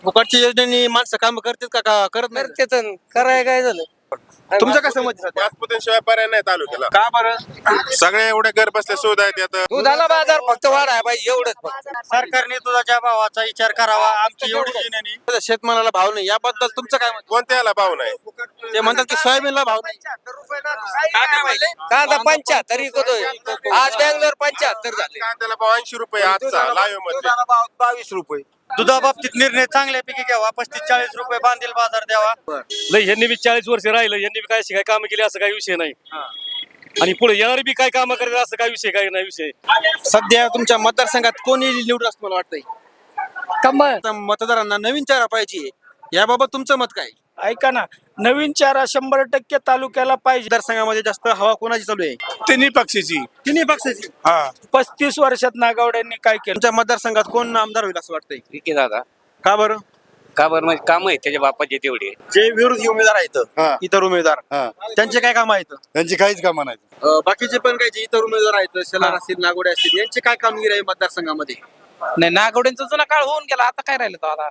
फुकटच्या योजनेनी माणसं काम करतात का करत नाही? करतेच कराय काय झालं. तुमचं काय समज आहे सध्या? पाचपुतेशिवाय पर्याय नाही तालुक्याला. का बरं? सगळे एवढे घर बसल्या सुविधा आहेत यात. दुधाला बाजार फक्त वाढाय पाहिजे एवढंच फक्त. सरकारने दुधाच्या भावाचा विचार करावा. आमची एवढी विनंती. शेतमालाला भाव नाही याबद्दल तुमचं काय मत? कोणत्याला भाव नाही. ते म्हणतात की सोयाबीनला भाव नाही. काय म्हणले? कांदा 75 विकतोय. आज बँगलोर 75 झाले. कांद्याला भाव 80 रुपये आजचा लाईव्ह मध्ये. 22 रुपये. दुधाबाबतीत निर्णय चांगल्यापैकी घ्यावा. 35-40 रुपये बांधील बाजार द्यावा. लय ह्यांनी बी 40 वर्ष राहिलं, ह्यांनी बी काय शिकाय काम केली असं काही विषय नाही. आणि पुढे येणारी बी काय काम करेल असं काही विषय काही नाही विषय. सध्या तुमच्या मतदारसंघात कोणी निवडून असं मला वाटतंय? आता मतदारांना नवीन चेहरा पाहिजे, याबाबत तुमचं मत काय? ऐका ना, नवीन चारा 100% तालुक्याला पाहिजे. मतदारसंघामध्ये जास्त हवा कोणाची चालू आहे? तिन्ही पक्षाची. तिन्ही पक्षाची. 35 वर्षात नागावड्यांनी काय केलं? तुमच्या मतदारसंघात कोण आमदार होईल असं वाटतंय? विकी दादा का बरं? का बरं म्हणजे काम आहे त्याच्या बापाचे तेवढे. जे विरोधी उमेदवार आहेत, इतर उमेदवार, त्यांचे काय काम आहेत? त्यांची काहीच कामं नाही. बाकीचे पण काही जे इतर उमेदवार आहेत, शेलार असतील, नागोडे असतील, यांची काय कामगिरी आहे मतदारसंघामध्ये? नाही, नागवड्यांचा जुना काळ होऊन गेला, आता काय राहिलं तो आता.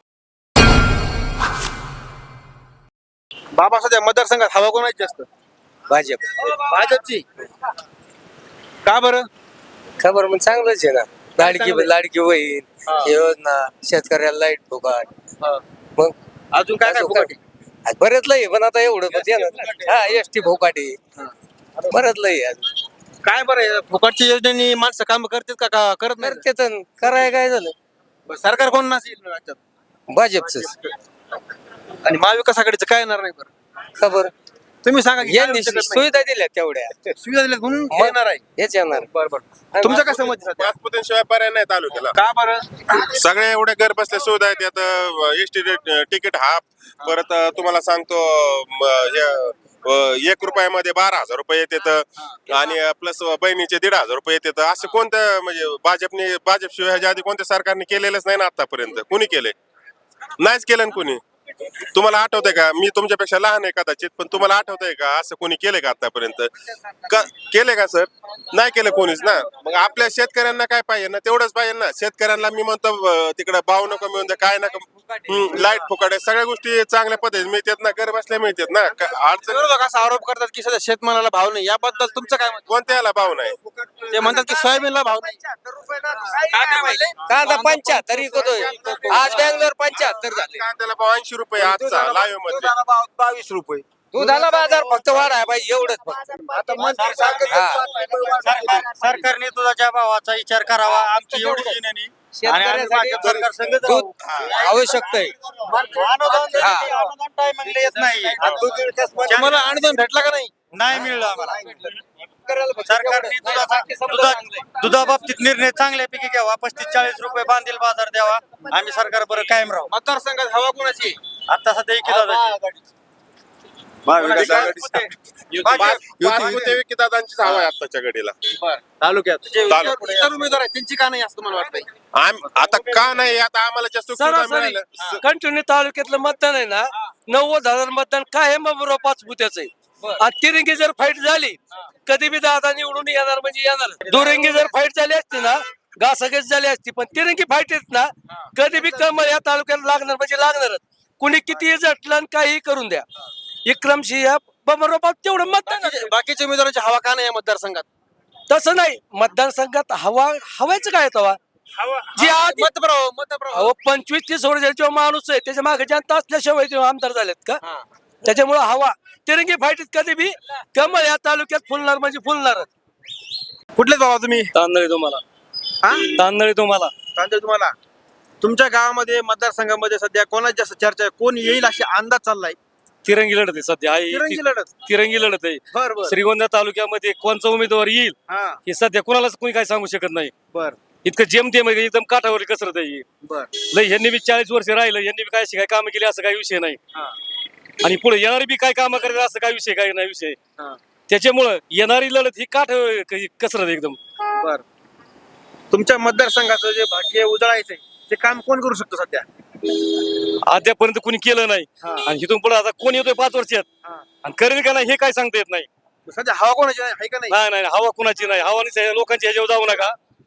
बाबा सध्या मतदारसंघात हवा कोणाची जास्त? भाजप. भाजपची. का बरं? खबर मग चांगलंच आहे ना. लाडकी बहीण योजना, शेतकऱ्याला लाईट फुकट. मग अजून काय काय फुकट आहे? बरेच लय पण आता एवढं म्हणजे हा एसटी फुकाटी बरंच लय अजून. काय बरं आहे? फुकटच्या योजनेनी माणसं काम करतात का करत नाही? करतेच कराय काय झालं. सरकार कोण नसेल राज्यात? भाजपच. आणि महाविकास आघाडीचं काय येणार नाही बरं? खबर तुम्ही सांगा की यांनी काय शकत नाही? सुविधा दिल्या तेवढ्या सुविधा दिल्यात म्हणून येणार आहे. हेच येणार. बरं. तुमचं काय समज आहे सध्या? पाचपुतेशिवाय पर्याय नाही तालुक्याला. का बरं? सगळे एवढे घर बसल्या सुविधा आहेत यात. ST ticket half. परत तुम्हाला सांगतो 1 रुपयामध्ये 12,000 रुपये येतात आणि प्लस बहिणीचे 1,500 रुपये येतात. असं कोणत्या म्हणजे भाजपशिवाय ह्याच्या आधी कोणत्या सरकारने केलेलंच नाही ना आतापर्यंत. कुणी केले? नाहीच केलं ना कुणी. तुम्हाला आठवतंय का? मी तुमच्यापेक्षा लहान आहे कदाचित, पण तुम्हाला आठवतंय का असं कोणी केलंय का आतापर्यंत? केले का सर? नाही केलं कोणीच ना. मग आपल्या शेतकऱ्यांना काय पाहिजे ना? तेवढंच पाहिजे ना. शेतकऱ्यांना मी म्हणतो तिकडे भाव नको मिळून द्या, काय नका, लाईट फुकाट आहे, सगळ्या गोष्टी चांगल्या पद्धतीने मिळतात ना, घर बसल्या मिळतात ना. अडचण. विरोधक असा आरोप करतात की सध्या शेतमालाला भाव नाही, याबद्दल तुमचं काय मत? कोणत्याला भाव नाही. ते म्हणतात की सोयाबीनला भाव नाही. काय म्हणले? कांदा 75 विकतोय. आज बँगलोर 75 झाले. कांद्याला भाव 80 रुपये आजचा लाईव्ह मध्ये. 22 रुपये. दुधाला बाजार फक्त वाढाय पाहिजे एवढंच फक्त. सरकारने दुधाच्या भावाचा विचार करावा. आमची एवढी विनंती. आणि आम्ही भाजप सरकार संघ जाऊ. दूध आवश्यक आहे. अनुदान टायमिंगला येत नाही. तुम्हाला अनुदान भेटला का नाही? नाही मिळलं आम्हाला. सरकारने दुधाबाबतीत निर्णय चांगल्यापैकी घ्यावा. 35-40 रुपये बांधील बाजार द्यावा. आम्ही सरकार बरं कायम राहू. मतदारसंघात हवा कोणाची आहे? आता सध्या विकी पाचपुते विकीदादांचीच हवा आहे आताच्या घडीला तालुक्यात जे तालुक्यात. इतर उमेदवार आहेत त्यांची का नाही असं मला वाटतंय? आता का नाही? आता आम्हाला जास्त सुविधा मिळाल्या. कंटिन्यू तालुक्यातलं मतदान आहे ना, 90,000 मतदान काय बरोबर पाचपुत्याचं आहे. आणि तिरंगी जर फाईट झाली, कधी बी दादा निवडून येणार म्हणजे येणार. दुरंगी जर फाईट झाली असती ना, घासाघीस झाली असती, पण तिरंगी फाईट येत ना, कधी बी कमळ या तालुक्यात लागणार म्हणजे लागणारच. कुणी किती झटलं आणि काही करून द्या. विक्रमसिंह बरोबर तेवढं मतदान आहे. बाकीच्या उमेदवारांची हवा का नाही या मतदारसंघात? तसं नाही, मतदारसंघात हवायचं काय तवा जी आधी अहो 25-30 वर्षाचा माणूस आहे, त्याच्या मागे जनता असल्याशिवाय ते आमदार झालेत का? त्याच्यामुळे हवा तिरंगी फाईटीत कधी बी कमळ या तालुक्यात फुलणार म्हणजे फुलणारच. कुठले बाबा तुम्ही? तांदळी तुम्हाला तांदळी तुम्हाला तांदूळ तुम्हाला. तुमच्या गावामध्ये मतदारसंघामध्ये सध्या कोणाची जास्त चर्चा आहे? कोण येईल अशी अंदाज चाललाय? तिरंगी लढत आहे सध्या. तिरंगी लढत. तिरंगी लढत आहे. बर श्रीगोंदा तालुक्यामध्ये कोणचा उमेदवार येईल हे सध्या कोणालाच कोणी काय सांगू शकत नाही. बर इतकं जेमतेम आहे, एकदम काठावर कसरत आहे. बर लय ह्यांनी बी 40 वर्ष राहिलं, ह्यांनी बी काय शिकाय काम केली असं काही विषय नाही. आणि पुढे येणारी बी काय काम करायचं असं काही विषय काही नाही विषय. त्याच्यामुळं येणारी लढत ही काठ कसरत आहे एकदम. बर तुमच्या मतदारसंघाचं जे भाग्य उजळायचंय ते काम कोण करू शकतो सध्या? अद्यापर्यंत कोणी केलं नाही. आणि इथून पुढे आता कोण येतोय 5 वर्षात आणि करेल का नाही हे काय सांगता येत नाही. सध्या हवा कोणाची आहे का नाही? नाही नाही, हवा कुणाची नाही. हवा लोकांची ह्याच्यावर जाऊ नका.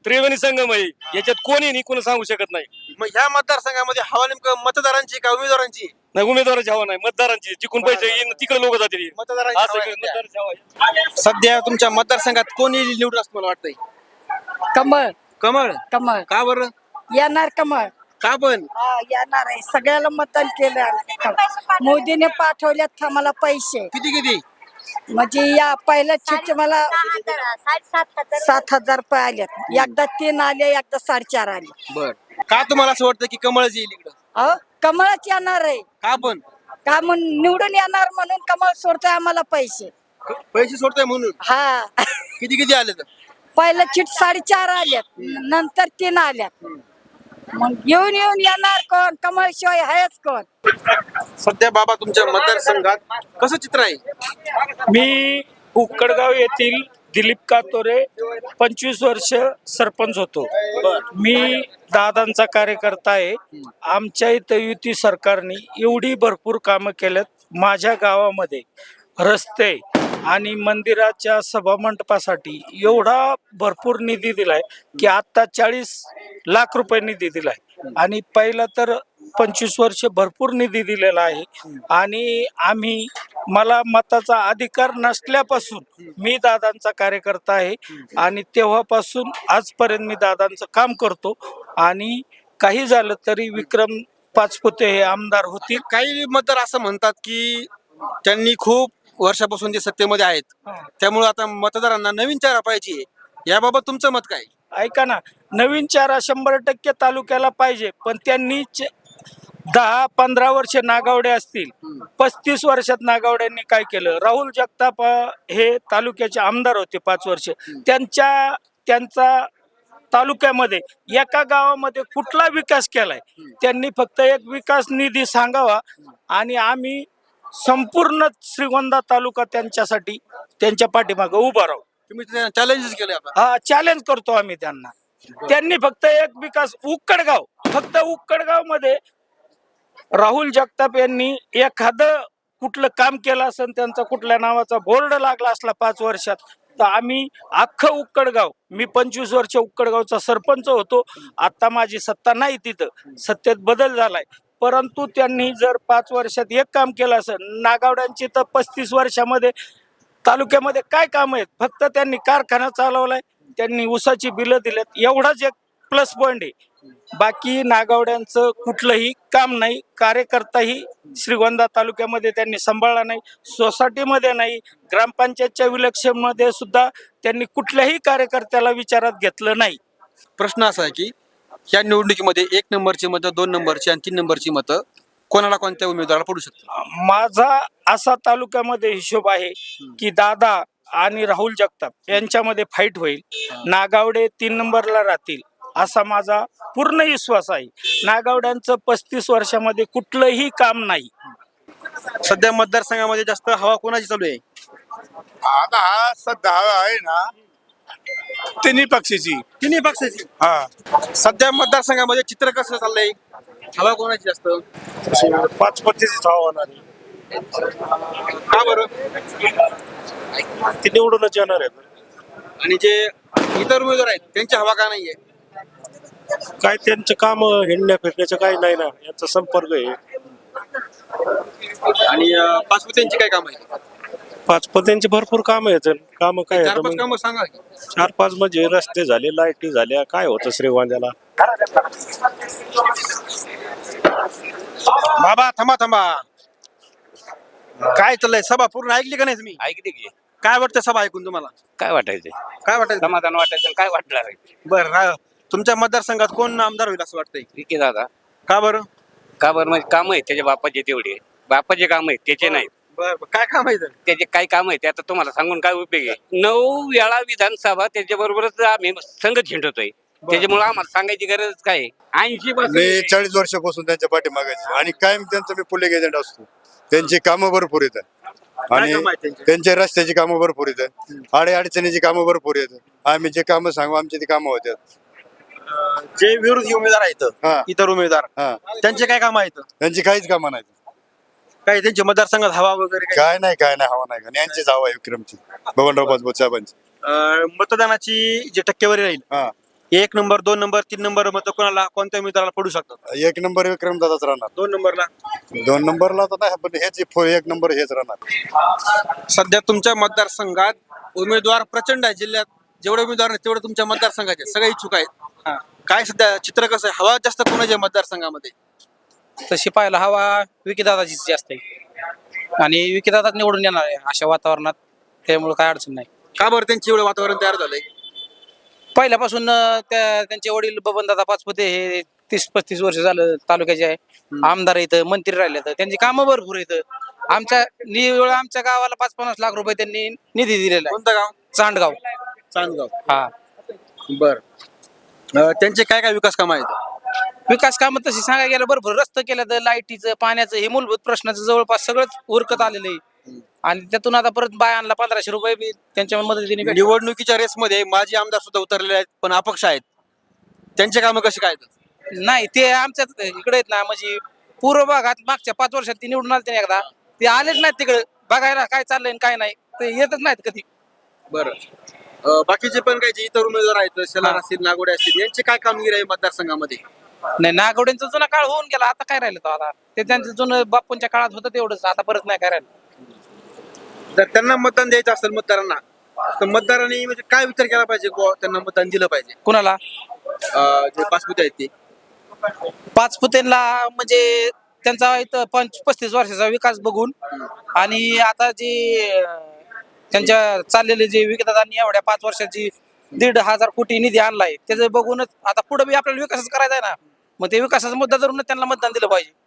त्रिवेणी संगम आहे याच्यात कोणी नाही कोणी सांगू शकत नाही. मग ह्या मतदारसंघामध्ये हवा नेमकं मतदारांची का उमेदवारांची? नाही उमेदवाराची हवा नाही, मतदारांची. जिकून पैसे येईन तिकडे लोक जातील. मतदारांची असं हवा आहे सध्या. मतदारांची हवा आहे. सध्या तुमच्या मतदारसंघात कोणी निवडून असं मला वाटतंय? कमळ कमळ. कमळ का बरं? येणार कमळ. का पण? येणार आहे, सगळ्याला मतदान केलं आम्ही. मोदीने पाठवल्यात आम्हाला पैसे, किती किती? म्हणजे या पहिल्या चिठ्ठी मला 7,000 रुपये आलेत. एकदा 3 आले, एकदा 4.5 आले. बर. का तुम्हाला असं वाटतं की कमळच येईल इकडं? अहो, कमळच येणार आहे. का पण? का म्हणून निवडून येणार म्हणून कमळ सोडतोय आम्हाला पैसे. पैसे सोडताय म्हणून? हा. किती किती आले तर? पहिलं चिठ 4.5 आल्यात, नंतर 3 आल्यात. मग येऊन येऊन येणार कोण? कमळ शिवाय आहेच कोण? सध्या बाबा तुमच्या मतदारसंघात कसं चित्र आहे? मी उक्कडगाव येथील दिलीप कातोरे 25 वर्ष सरपंच होतो. मी दादांचा कार्यकर्ता आहे. आमच्या इथं युती सरकारने एवढी भरपूर कामं केल्यात. माझ्या गावामध्ये रस्ते आणि मंदिराच्या सभामंडपासाठी एवढा भरपूर निधी दिलाय की आता 40 लाख रुपये निधी दिलाय. आणि पहिला तर 25 वर्ष भरपूर निधी दिलेला आहे. आणि मला मताचा अधिकार नसल्यापासून मी दादांचा कार्यकर्ता आहे आणि तेव्हापासून आजपर्यंत मी दादांचं काम करतो. आणि काही झालं तरी विक्रम पाचपुते हे आमदार होतील. काही मतदार असं म्हणतात की त्यांनी खूप वर्षापासून ते सत्तेमध्ये आहेत, त्यामुळे आता मतदारांना नवीन चेहरा पाहिजे. याबाबत तुमचं मत काय? ऐका ना, नवीन चेहरा 100% तालुक्याला पाहिजे, पण त्यांनी 10-15 वर्ष नागावडे असतील. 35 वर्षात नागावड्यांनी काय केलं? राहुल जगताप हे तालुक्याचे आमदार होते 5 वर्ष. त्यांचा तालुक्यामध्ये एका गावामध्ये कुठला विकास केलाय? त्यांनी फक्त एक विकास निधी सांगावा आणि आम्ही संपूर्ण श्रीगोंदा तालुका त्यांच्यासाठी त्यांच्या पाठीमागे उभा राहू. तुम्ही चॅलेंजेस केले आता? हा, चॅलेंज करतो आम्ही त्यांना. त्यांनी फक्त एक विकास उक्कडगाव मध्ये राहुल जगताप यांनी एखादं कुठलं काम केलं असेल, त्यांचा कुठल्या नावाचा बोर्ड लागला असला 5 वर्षात, तर आम्ही अख्खं उक्कडगाव, मी 25 वर्ष उक्कडगावचा सरपंच होतो. आता माझी सत्ता नाही तिथं, सत्तेत बदल झालाय. परंतु त्यांनी जर 5 वर्षात एक काम केलं असेल, नागावड्यांची तर 35 वर्षामध्ये तालुक्यामध्ये काय काम आहेत? फक्त त्यांनी कारखाना चालवलाय, त्यांनी ऊसाची बिलं दिलेत, एवढाच एक प्लस पॉइंट आहे. बाकी नागावड्यांचं कुठलंही काम नाही. कार्यकर्ताही श्रीगोंदा तालुक्यामध्ये त्यांनी सांभाळला नाही, सोसायटीमध्ये नाही, ग्रामपंचायतच्या विलक्षण मध्ये सुद्धा त्यांनी कुठल्याही कार्यकर्त्याला विचारात घेतलं नाही. प्रश्न असा आहे की या निवडणुकीमध्ये 1 नंबरची मतं, 2 नंबरची आणि 3 नंबरची मतं कोणाला, कोणत्या उमेदवाराला पडू शकतात? माझा असा तालुक्यामध्ये हिशोब आहे की दादा आणि राहुल जगताप यांच्यामध्ये फाईट होईल. नागावडे 3 नंबरला राहतील असा माझा पूर्ण विश्वास आहे. नागावड्यांचं 35 वर्षामध्ये कुठलंही काम नाही. सध्या मतदारसंघामध्ये जास्त हवा कोणाची चालू आहे? आता हा सध्या आहे ना तिन्ही पक्षाची. तिन्ही पक्षाची. हा, सध्या मतदारसंघामध्ये चित्र कसं चाललंय? हवा कोणाची जास्त? 5 पक्षाचीच हवा होणार आहे. का बरं? ती निवडूनच येणार आहे. आणि जे इतर उमेदवार आहेत त्यांची हवा का नाहीये? काय त्यांचं काम हिंडण्या फिरण्याचं काही नाही ना, यांचा संपर्क आहे. आणि पाचपुत्यांची काय काम आहे? 5 पदांची भरपूर काम आहेत. काम काय 4-5 कामं सांगा की. 4-5 म्हणजे रस्ते झाले, लाईटी झाल्या, काय होतं श्रीगोंद्याला. बाबा थांबा. काय चाललंय? सभा पूर्ण ऐकली का नाही तुम्ही? ऐकते की काय वाटतं सभा ऐकून तुम्हाला? काय वाटायचं? काय वाटायचं? समाधान वाटायचं आणि काय वाटणार आहे? बरं, तुमच्या मतदारसंघात कोण आमदार होईल असं वाटतंय? विकी दादा. का बरं? का बरं? म्हणजे काम आहेत त्याच्या बापाचे, तेवढे बापाचे काम आहेत त्याचे नाही. बरं, काय काम आहे? त्याचे काय काम आहे ते आता तुम्हाला सांगून काय उपयोग आहे? 9 वेळा विधानसभा त्याच्या बरोबरच आम्ही संघ झिंडतोय, त्याच्यामुळे आम्हाला सांगायची गरज काय? 80 मी 40 वर्षापासून त्यांच्या पाठीमागायचे आणि कायम त्यांचं मी पुलिंग एजंट असतो. त्यांची कामं भरपूर येतात आणि त्यांच्या रस्त्याची कामं भरपूर येतात, अडचणीची कामं भरपूर येतात. आम्ही जे कामं सांगू आमची ती कामं होतात. जे विरोधी उमेदवार आहेत, इतर उमेदवार, त्यांचे काय काम आहेत? त्यांची काहीच कामं नाही. काय त्यांच्या मतदारसंघात हवा वगैरे काय नाही हवा नाही. आणि यांचीच हवा आहे विक्रमची, बबनराव पाचपुते साहेबांची. मतदानाची जी टक्केवारी राहील 1 नंबर 2 नंबर 3 नंबर मत कोणाला कोणत्या उमेदवाराला पडू शकतात? 1 नंबर विक्रमदादाच राहणार. 2 नंबरला 2 नंबरला तर नाही, पण हेच 1 नंबर हेच राहणार. सध्या तुमच्या मतदारसंघात उमेदवार प्रचंड आहे. जिल्ह्यात जेवढे उमेदवार आहेत तेवढे तुमच्या मतदारसंघाचे सगळे इच्छुक आहेत. काय सध्या चित्र कसं आहे? हवा जास्त कोणाच्या मतदारसंघामध्ये? तशी पाहायला हवा विकीदादाचीच जास्त आहे आणि विकीदादा निवडून येणार आहे अशा वातावरणात, त्यामुळे काय अडचण नाही. का बरं त्यांची एवढं वातावरण तयार झालंय? पहिल्यापासून त्यांचे वडील बबनदादा पाचपुते हे 30-35 वर्ष झालं तालुक्याचे आहे, आमदार आहेत, मंत्री राहिले, तर त्यांची कामं भरपूर आहेत. आमच्या गावाला 5-50 लाख रुपये त्यांनी निधी दिलेला आहे. कोणतं गाव? चांडगाव. चांदगाव. हा, बर. त्यांचे काय काय विकास कामं आहेत? विकास कामं तशी सांगायला गेलं भरपूर रस्ते केलं, तर लाईटीचं, पाण्याचं, हे मूलभूत प्रश्नाचं जवळपास सगळंच उरकत आलेलं आहे. आणि त्यातून आता परत बायांना 1500 रुपये बी त्यांच्या मदतीने भेटले. निवडणुकीच्या रेसमध्ये माजी आमदार सुद्धा उतरलेले आहेत पण अपक्ष आहेत. त्यांचे कामं कशी काय आहेत? नाही, ते आमच्या इकडे आहेत ना, म्हणजे पूर्व भागात मागच्या 5 वर्षात ती निवडून आले एकदा, ते आलेच नाहीत तिकडे बघायला काय चाललंय आणि काय नाही, ते येतच नाहीत कधी. बरं. बाकीचे पण काही जे इतर उमेदवार आहेत, शेलार असतील, नागोडे असतील, यांची काय कामगिरी आहे मतदारसंघामध्ये? नाही, नागवड्यांचा जुना काळ होऊन गेला, आता काय राहिलं तो आता, ते त्यांचं जुनं बापूंच्या काळात होतं तेवढंच, आता परत नाही काय राहिलं. जर त्यांना मतदान द्यायचं असेल मतदारांना, तर मतदारांनी म्हणजे काय विचार केला पाहिजे? त्यांना मतदान दिलं पाहिजे. कुणाला? जे पाचपुते आहेत ते पाचपुतेला म्हणजे त्यांचा इथं 35 वर्षाचा विकास बघून आणि आता जे त्यांच्या चाललेले जे विकासांनी एवढ्या 5 वर्षाची 1,500 कोटी निधी आणलाय, त्याचं बघूनच आता पुढे बी आपल्याला विकासच करायचा आहे ना, मग ते विकासाचा मुद्दा धरूनच त्यांना मतदान दिलं पाहिजे.